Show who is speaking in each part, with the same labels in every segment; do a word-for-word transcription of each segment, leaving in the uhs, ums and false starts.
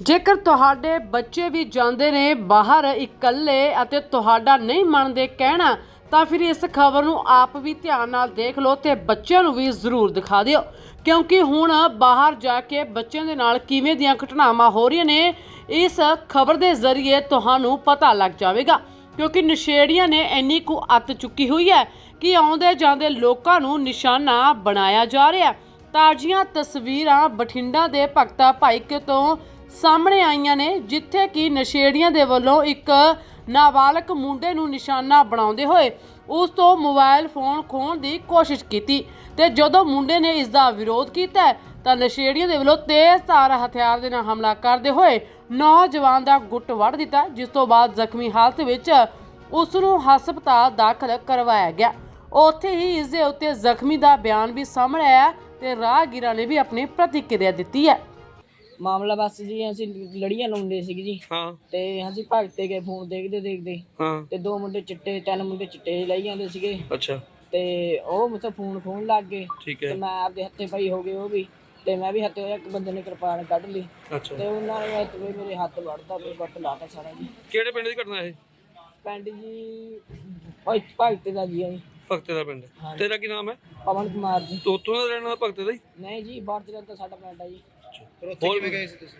Speaker 1: ਜੇਕਰ ਤੁਹਾਡੇ ਬੱਚੇ ਵੀ ਜਾਂਦੇ ਨੇ ਬਾਹਰ ਇਕੱਲੇ ਅਤੇ ਤੁਹਾਡਾ ਨਹੀਂ ਮੰਨਦੇ ਕਹਿਣਾ ਤਾਂ ਫਿਰ ਇਸ ਖਬਰ ਨੂੰ ਆਪ ਵੀ ਧਿਆਨ ਨਾਲ ਦੇਖ ਲਓ ਤੇ ਬੱਚਿਆਂ ਨੂੰ ਵੀ ਜ਼ਰੂਰ ਦਿਖਾ ਦਿਓ, ਕਿਉਂਕਿ ਹੁਣ ਬਾਹਰ ਜਾ ਕੇ ਬੱਚਿਆਂ ਦੇ ਨਾਲ ਕਿਵੇਂ ਦੀਆਂ ਘਟਨਾਵਾਂ ਹੋ ਰਹੀਆਂ ਨੇ ਇਸ ਖਬਰ ਦੇ ਜ਼ਰੀਏ ਤੁਹਾਨੂੰ ਪਤਾ ਲੱਗ ਜਾਵੇਗਾ। ਕਿਉਂਕਿ ਨਸ਼ੇੜੀਆਂ ਨੇ ਇੰਨੀ ਕੁ ਅੱਤ ਚੁੱਕੀ ਹੋਈ ਹੈ ਕਿ ਆਉਂਦੇ ਜਾਂਦੇ ਲੋਕਾਂ ਨੂੰ ਨਿਸ਼ਾਨਾ ਬਣਾਇਆ ਜਾ ਰਿਹਾ। ਤਾਜ਼ੀਆਂ ਤਸਵੀਰਾਂ ਬਠਿੰਡਾ ਦੇ ਭਗਤਾ ਭਾਈਕੇ ਤੋਂ ਸਾਹਮਣੇ ਆਈਆਂ ਨੇ, ਜਿੱਥੇ ਕਿ ਨਸ਼ੇੜੀਆਂ ਦੇ ਵੱਲੋਂ ਇੱਕ ਨਾਬਾਲਗ ਮੁੰਡੇ ਨੂੰ ਨਿਸ਼ਾਨਾ ਬਣਾਉਂਦੇ ਹੋਏ ਉਸ ਤੋਂ ਮੋਬਾਈਲ ਫੋਨ ਖੋਹਣ ਦੀ ਕੋਸ਼ਿਸ਼ ਕੀਤੀ ਤੇ ਜਦੋਂ ਮੁੰਡੇ ਨੇ ਇਸ ਦਾ ਵਿਰੋਧ ਕੀਤਾ ਤਾਂ ਨਸ਼ੇੜੀਆਂ ਦੇ ਵੱਲੋਂ ਤੇਜ਼ ਧਾਰ ਹਥਿਆਰ ਦੇ ਨਾਲ ਹਮਲਾ ਕਰਦੇ ਹੋਏ ਨੌਜਵਾਨ ਦਾ ਗੁੱਟ ਵੱਢ ਦਿੱਤਾ, ਜਿਸ ਤੋਂ ਬਾਅਦ ਜ਼ਖਮੀ ਹਾਲਤ ਵਿੱਚ ਉਸ ਨੂੰ ਹਸਪਤਾਲ ਦਾਖਲ ਕਰਵਾਇਆ ਗਿਆ। ਉੱਥੇ ਹੀ ਇਸ ਦੇ ਉੱਤੇ ਜ਼ਖਮੀ ਦਾ ਬਿਆਨ ਵੀ ਸਾਹਮਣੇ ਆਇਆ ਤੇ ਰਾਹਗੀਰਾਂ ਨੇ ਵੀ ਆਪਣੀ ਪ੍ਰਤੀਕਿਰਿਆ ਦਿੱਤੀ ਹੈ।
Speaker 2: ਮਾਮਲਾ ਬਸ ਜੀ ਅਸੀਂ ਲੜੀਆਂ ਲਾਉਂਦੇ ਸੀ ਜੀ
Speaker 3: ਹਾਂ
Speaker 2: ਤੇ ਅਸੀਂ ਭਗਤੇ ਗਏ ਫੋਨ ਦੇਖਦੇ ਦੇਖਦੇ
Speaker 3: ਹਾਂ
Speaker 2: ਤੇ ਦੋ ਮੁੰਡੇ ਚਿੱਟੇ ਤਿੰਨ ਮੁੰਡੇ ਚਿੱਟੇ ਲਈ ਜਾਂਦੇ ਸੀਗੇ
Speaker 3: ਅੱਛਾ
Speaker 2: ਤੇ ਉਹ ਮਤਲਬ ਫੋਨ ਖੋਣ ਲੱਗ ਗਏ
Speaker 3: ਠੀਕ
Speaker 2: ਤੇ
Speaker 3: ਹੈ
Speaker 2: ਮੈਂ ਆਪਦੇ ਹੱਥੇ ਪਈ ਹੋ ਗਏ ਉਹ ਵੀ ਤੇ ਮੈਂ ਵੀ ਹੱਥੇ ਇੱਕ ਬੰਦੇ ਨੇ ਕਿਰਪਾਨ ਕੱਢ ਲਈ
Speaker 3: ਅੱਛਾ
Speaker 2: ਤੇ ਉਹਨਾਂ ਨੇ ਤੇ ਮੇਰੇ ਹੱਥ ਵੜਦਾ ਤੇ ਵੱਟ ਲਾਤਾ ਸਾਰਾ ਜੀ।
Speaker 3: ਕਿਹੜੇ ਪਿੰਡ ਦੀ ਘਟਨਾ ਇਹ?
Speaker 2: ਪਿੰਡ ਜੀ ਭਾਈ ਭਗਤੇ ਦਾ ਜੀ ਆ ਜੀ।
Speaker 3: ਭਗਤੇ ਦਾ ਪਿੰਡ।
Speaker 2: ਹਾਂਜੀ।
Speaker 3: ਤੇਰਾ ਕੀ ਨਾਮ ਹੈ?
Speaker 2: ਪਵਨ ਕੁਮਾਰ ਜੀ।
Speaker 3: ਤੂੰ ਉੱਥੋਂ ਦਾ ਰਹਿਣ ਵਾਲਾ ਭਗਤੇ ਦਾ ਹੀ?
Speaker 2: ਨਹੀਂ ਜੀ ਬਾਰਜਰ ਤਾਂ ਸਾਡਾ ਪਿੰਡ ਆ ਜੀ।
Speaker 3: ਹੋਰ ਕਿਵੇਂ ਗਏ ਸੀ ਤੁਸੀਂ?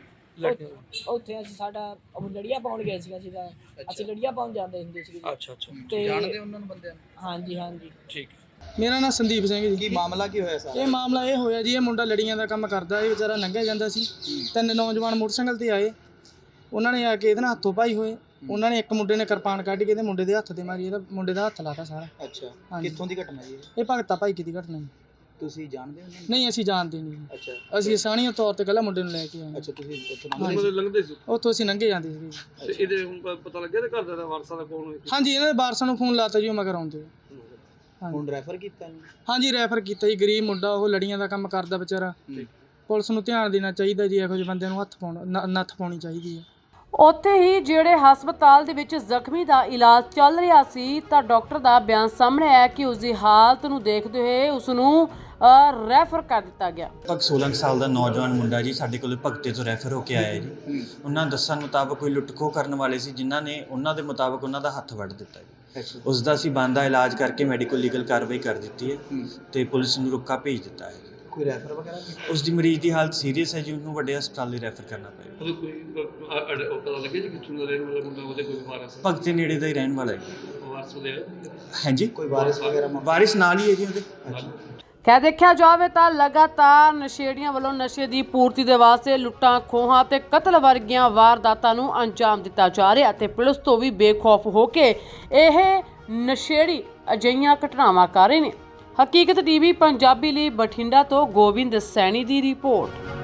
Speaker 2: ਉਹ- ਉੱਥੇ ਅਸੀਂ ਸਾਡਾ ਉਹ ਲੜੀਆਂ ਪਾਉਣ ਗਏ ਸੀ ਅਸੀਂ ਤਾਂ ਅਸੀਂ ਲੜੀਆਂ ਪਾਉਣ ਜਾਂਦੇ ਹੁੰਦੇ ਸੀ
Speaker 3: ਅੱਛਾ ਅੱਛਾ
Speaker 2: ਤੇ
Speaker 4: ਜਾਣਦੇ ਉਹਨਾਂ ਨੂੰ ਬੰਦਿਆਂ ਨੂੰ?
Speaker 2: ਹਾਂਜੀ ਹਾਂਜੀ
Speaker 3: ਠੀਕ।
Speaker 5: ਮੇਰਾ ਨਾਮ ਸੰਦੀਪ ਸਿੰਘ ਜੀ।
Speaker 4: ਕੀ ਮਾਮਲਾ ਕੀ ਹੋਇਆ ਸਾਰਾ?
Speaker 5: ਇਹ ਮਾਮਲਾ ਇਹ ਹੋਇਆ ਜੀ, ਇਹ ਮੁੰਡਾ ਲੜੀਆਂ ਦਾ ਕੰਮ ਕਰਦਾ, ਇਹ ਵਿਚਾਰਾ ਲੰਘਿਆ ਜਾਂਦਾ ਸੀ। ਤਿੰਨ ਨੌਜਵਾਨ ਮੋਟਰਸਾਈਕਲ ਤੇ ਆਏ, ਉਹਨਾਂ ਨੇ ਆ ਕੇ ਇਹਦੇ ਨਾਲ ਹੱਥੋਂ ਪਾਈ ਹੋਏ। ਉਹਨਾਂ ਨੇ ਇੱਕ ਮੁੰਡੇ ਨੇ ਕਿਰਪਾਨ ਕੱਢ ਕੇ ਇਹਦੇ ਮੁੰਡੇ ਦੇ ਹੱਥ ਤੇ ਮਾਰੀ, ਇਹਦਾ ਮੁੰਡੇ ਦਾ ਹੱਥ ਲਾਤਾ ਸਾਰਾ।
Speaker 4: ਅੱਛਾ
Speaker 5: ਹਾਂਜੀ।
Speaker 4: ਕਿੱਥੋਂ ਦੀ ਘਟਨਾ ਜੀ ਇਹ?
Speaker 5: ਇਹ ਭਗਤਾ ਭਾਈ ਕੀ ਦੀ ਘਟਨਾ ਜੀ।
Speaker 4: ਤੁਸੀਂ ਜਾਣਦੇ ਹੋ ਉਹਨਾਂ ਨੂੰ?
Speaker 5: ਨਹੀਂ ਅਸੀਂ ਜਾਣਦੇ ਨਹੀਂ ਜੀ।
Speaker 4: ਅੱਛਾ
Speaker 5: ਅਸੀਂ ਸਾਣੀਆਂ ਤੌਰ ਤੇ ਕੱਲਾ ਮੁੰਡੇ ਨੂੰ ਲੈ ਕੇ ਆਏ।
Speaker 4: ਅੱਛਾ ਤੁਸੀਂ ਉੱਥੋਂ
Speaker 5: ਹਾਂਜੀ।
Speaker 4: ਲੰਘਦੇ ਸੀ?
Speaker 3: ਲੰਘਦੇ ਸੀ
Speaker 5: ਉੱਥੋਂ ਅਸੀਂ ਲੰਘੇ ਜਾਂਦੇ ਸੀ।
Speaker 3: ਤੇ ਇਹਦੇ ਹੁਣ ਪ- ਪਤਾ ਲੱਗਿਆ ਤੇ ਘਰ ਦਾ ਵਾਰਸਾਂ ਦਾ ਕੌਣ ਹੋਇਆ?
Speaker 5: ਹਾਂਜੀ, ਇਹਨਾਂ ਦੇ ਵਾਰਸਾਂ ਨੂੰ ਫੋਨ ਲਾਤਾ ਜੀ, ਉਹ ਮਗਰ ਆਉਂਦੇ।
Speaker 4: ਹੁਣ ਰੈਫਰ ਕੀਤਾ ਇਹਨੂੰ?
Speaker 5: ਹਾਂਜੀ ਰੈਫਰ ਕੀਤਾ ਜੀ। ਗਰੀਬ ਮੁੰਡਾ, ਉਹ ਲੜੀਆਂ ਦਾ ਕੰਮ ਕਰਦਾ ਵਿਚਾਰਾ। ਪੁਲਿਸ ਨੂੰ ਧਿਆਨ ਦੇਣਾ ਚਾਹੀਦਾ ਜੀ, ਇਹੋ ਜਿਹੇ ਬੰਦਿਆਂ ਨੂੰ ਹੱਥ ਪਾਉਣਾ ਨ- ਨੱਥ ਪਾਉਣੀ ਚਾਹੀਦੀ ਹੈ।
Speaker 1: ਉੱਥੇ ਹੀ ਜਿਹੜੇ ਹਸਪਤਾਲ ਦੇ ਵਿੱਚ ਜ਼ਖਮੀ ਦਾ ਇਲਾਜ ਚੱਲ ਰਿਹਾ ਸੀ ਤਾਂ ਡਾਕਟਰ ਦਾ ਬਿਆਨ ਸਾਹਮਣੇ ਆਇਆ ਕਿ ਉਸ ਦੀ ਹਾਲਤ ਨੂੰ ਦੇਖਦੇ ਹੋਏ ਉਸ ਨੂੰ ਰੈਫਰ ਕਰ ਦਿੱਤਾ ਗਿਆ।
Speaker 6: ਲਗਭਗ ਸੋਲਾਂ ਸਾਲ ਦਾ ਨੌਜਵਾਨ ਮੁੰਡਾ ਜੀ ਸਾਡੇ ਕੋਲ ਭਗਤੇ ਤੋਂ ਰੈਫਰ ਹੋ ਕੇ ਆਇਆ ਜੀ। ਉਹਨਾਂ ਦੱਸਣ ਮੁਤਾਬਕ ਕੋਈ ਲੁੱਟਖੋ ਕਰਨ ਵਾਲੇ ਸੀ, ਜਿਨ੍ਹਾਂ ਨੇ ਉਹਨਾਂ ਦੇ ਮੁਤਾਬਕ ਉਹਨਾਂ ਦਾ ਹੱਥ ਵੱਢ ਦਿੱਤਾ ਜੀ। ਉਸ ਦਾ ਅਸੀਂ ਬਣਦਾ ਇਲਾਜ ਕਰਕੇ ਮੈਡੀਕਲ ਲੀਗਲ ਕਾਰਵਾਈ ਕਰ ਦਿੱਤੀ ਹੈ ਤੇ ਪੁਲਿਸ ਨੂੰ ਰੁੱਕਾ ਭੇਜ ਦਿੱਤਾ ਹੈ।
Speaker 4: ਕੋਈ ਰੈਫਰ ਵਗੈਰਾ ਵੀ?
Speaker 6: ਉਸ ਦੀ ਮਰੀਜ਼ ਦੀ ਹਾਲਤ ਸੀਰੀਅਸ ਹੈ ਜੀ, ਉਹਨੂੰ ਵੱਡੇ ਹਸਪਤਾਲ ਲਈ ਰੈਫਰ ਕਰਨਾ ਪਏਗਾ।
Speaker 3: ਉਹਦੇ ਕੋਈ ਅ- ਅ- ਉਹ ਪਤਾ ਲੱਗਿਆ ਜੀ ਕਿੱਥੋਂ ਦਾ ਰਹਿਣ ਵਾਲਾ ਮੁੰਡਾ, ਉਹਦੇ ਕੋਈ ਵਾਰਸ ਹੈ?
Speaker 6: ਭਗਤੇ ਨੇੜੇ ਦਾ ਹੀ ਰਹਿਣ ਵਾਲਾ ਹੈ ਜੀ।
Speaker 3: ਉਹ ਵਾਰਸ ਉਹਦੇ ਹੈ?
Speaker 6: ਹਾਂਜੀ,
Speaker 4: ਕੋਈ ਵਾਰਿਸ ਵਗੈਰਾ ਮਾ-
Speaker 6: ਵਾਰਿਸ ਨਾਲ ਹੀ ਹੈ ਜੀ ਉਹਦੇ।
Speaker 1: ਕਹਿ ਦੇਖਿਆ ਜਾਵੇ ਤਾਂ ਲਗਾਤਾਰ ਨਸ਼ੇੜੀਆਂ ਵੱਲੋਂ ਨਸ਼ੇ ਦੀ ਪੂਰਤੀ ਦੇ ਵਾਸਤੇ ਲੁੱਟਾਂ ਖੋਹਾਂ ਤੇ ਕਤਲ ਵਰਗੀਆਂ ਵਾਰਦਾਤਾਂ ਨੂੰ ਅੰਜਾਮ ਦਿੱਤਾ ਜਾ ਰਿਹਾ ਤੇ ਪੁਲਿਸ ਤੋਂ ਵੀ ਬੇਖੌਫ ਹੋ ਕੇ ਇਹ ਨਸ਼ੇੜੀ ਅਜਿਹੀਆਂ ਘਟਨਾਵਾਂ ਕਰ ਰਹੇ ਨੇ। ਹਕੀਕਤ ਟੀਵੀ ਪੰਜਾਬੀ ਲਈ ਬਠਿੰਡਾ ਤੋਂ ਗੋਬਿੰਦ ਸੈਣੀ ਦੀ ਰਿਪੋਰਟ।